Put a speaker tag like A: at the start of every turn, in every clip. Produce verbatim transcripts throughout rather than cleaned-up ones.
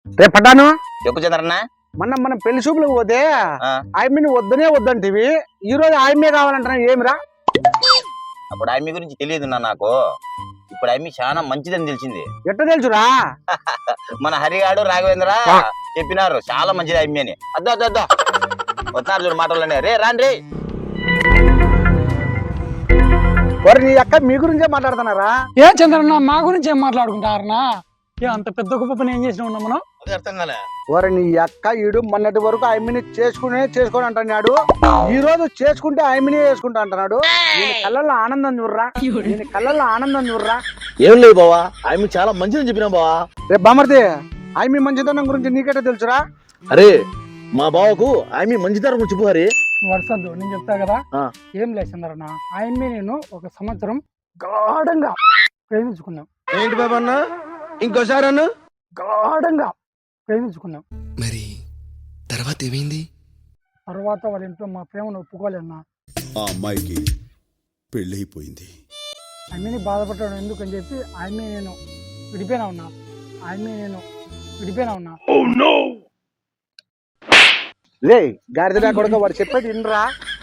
A: రేపు పడ్డాను
B: చెప్పు చంద్రన్న.
A: మొన్న మనం పెళ్లి చూపులకు పోతే
B: ఆ,
A: ఆయమ్మని వద్దనే వద్దంటివి ఈ రోజు ఆయమ్మే కావాలంటున్నా ఏమిరా?
B: అప్పుడు ఆమె గురించి తెలియదు నా నాకు. ఇప్పుడు ఆమె చాలా మంచిదని తెలిసింది.
A: ఎట్ట తెలుసురా?
B: మన హరిగాడు రాఘవేంద్ర చెప్పినారు చాలా మంచిది ఆమె అని. అద్దో అద్దో అద్దో వస్తున్నారు చూడు మాటలోనే. రే రాండి రే.
A: మరి నీ అక్క మీ గురించే మాట్లాడుతున్నారా?
C: ఏం చంద్రన్న మా గురించి ఏం మాట్లాడుకుంటారనా? ఏ అంత పెద్ద గొప్ప పని ఏం చేసినా ఉన్నాం మనం?
B: అది అర్థం కాలే.
A: ఓరి నీ అక్క ఈడు మొన్నటి వరకు ఆయమ్మని చేసుకునే చేసుకొని అంటున్నాడు, ఈ రోజు చేసుకుంటే ఆయమ్మని చేసుకుంటా అంటున్నాడు. నేను కళ్ళల్లో ఆనందం చూడరా, నేను కళ్ళల్లో ఆనందం చూడరా.
D: ఏం లేదు బావా, ఆమె చాలా మంచిదని చెప్పినా బావా.
A: రేపు బామర్ది ఆయమ్మి మంచితనం గురించి నీకెట్ట తెలుసురా?
D: అరే మా బావకు ఆమె మంచితనం గురించి చెప్పు హరి.
C: వరుసద్దు నేను చెప్తా కదా.
D: ఆ.
C: ఏం లేదు చంద్రన్న, ఆయన్ని నేను ఒక సంవత్సరం గాఢంగా ప్రేమించుకున్నాం.
A: ఏంటి బాబన్న ఇంకోసారి అన్న?
C: గాఢంగా ప్రేమించుకున్నాం.
E: మరి తర్వాత ఏమైంది?
C: తర్వాత వాళ్ళ ఇంట్లో మా ప్రేమను ఒప్పుకోలేన్నా.
F: ఆ అమ్మాయికి పెళ్ళైపోయింది.
C: ఆయన్ని బాధపడడం ఎందుకని చెప్పి ఆయన్ని నేను విడిపోయినా ఉన్నా. ఆయన్ని నేను విడిపోయినా ఉన్నా.
A: లే గాడిదడా కొడుక వాడు చెప్పేది ఇన్రా.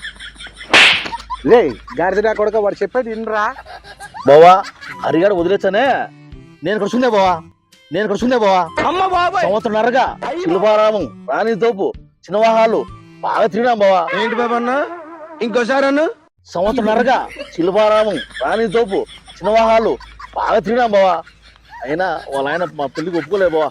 A: లే గాడిదడా కొడుక వాడు చెప్పేది ఇన్రా.
D: బావా హరిగాడు వదిలేస్తానే నేను కడుచుందే బావా, నేను కడుచుందే బావా. సంవత్సరంన్నరగా శిల్పారామం, రాణి తోపు, చిన్నవాహాలు బాగా తిరిగినాం బావా.
A: ఏంటి బాబన్న ఇంకోసారి అన్న?
D: సంవత్సరంన్నరగా శిల్పారామం, రాణి తోపు, చిన్నవాహాలు బాగా తిరిగినాం బావా. అయినా వాళ్ళ ఆయన మా పెళ్లికి ఒప్పుకోలే బావా.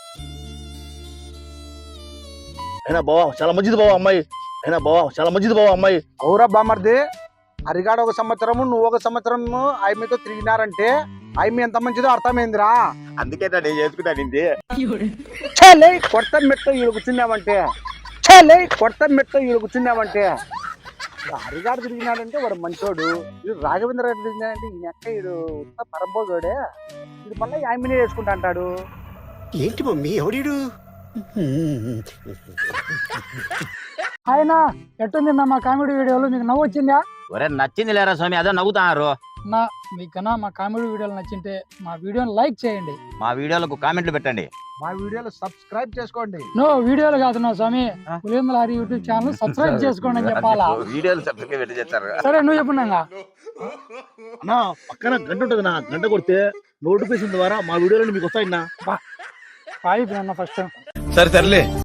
D: అయినా బావా చాలా మంచిది బావా అమ్మాయి. అయినా బావా చాలా మంచిది బావా అమ్మాయి.
A: అవురా బామర్ది, హరిగాడు ఒక సంవత్సరము నువ్వు ఒక సంవత్సరము ఆయమ్మతో తిరిగినారంటే ఆయమ్మ ఎంత మంచిదో అర్థమైందిరా.
B: అందుకే నేను చేసుకుంటానింది.
A: చలే కొత్త మెట్ట ఈడు కూర్చున్నామంటే, చలే కొత్త మెట్ట ఈడు కూర్చున్నామంటే. హరిగాడు తిరిగినాడంటే వాడు మంచోడు, వీడు రాఘవేంద్ర గారు తిరిగినాడంటే ఈయన అక్క ఈడు పరంపోజోడే, ఇది మళ్ళీ ఆయమ్మనే చేసుకుంటా అంటాడు.
E: ఏంటి మమ్మీ ఎవడీడు?
C: ఆయన ఎట్టుంది మా కామెడీ వీడియోలు? మీకు నవ్వు వచ్చిందా?
B: ఒరే నచ్చింది లేరా స్వామి, అదే నవ్వుతున్నారు.
C: నా మీకన్నా మా కామెడీ వీడియోలు నచ్చింటే మా వీడియోని లైక్ చేయండి.
B: మా వీడియోలకు కామెంట్లు పెట్టండి.
A: మా వీడియోలు సబ్స్క్రైబ్ చేసుకోండి.
C: నో వీడియోలు కాదు నా స్వామి, Pulindala Hari YouTube channel subscribe చేసుకోండి అని చెప్పాలా?
B: వీడియోలు సబ్స్క్రైబ్ పెట్టి చేస్తారు.
C: సరే నువ్వు చెప్పున్నాగా.
D: అన్నా పక్కన గంట ఉంటుంది నా, గంట కొడితే నోటిఫికేషన్ ద్వారా మా వీడియోలు మీకు వస్తాయన్నా.
C: పాయిపోయినా ఫస్ట్
F: సరే సర్లే.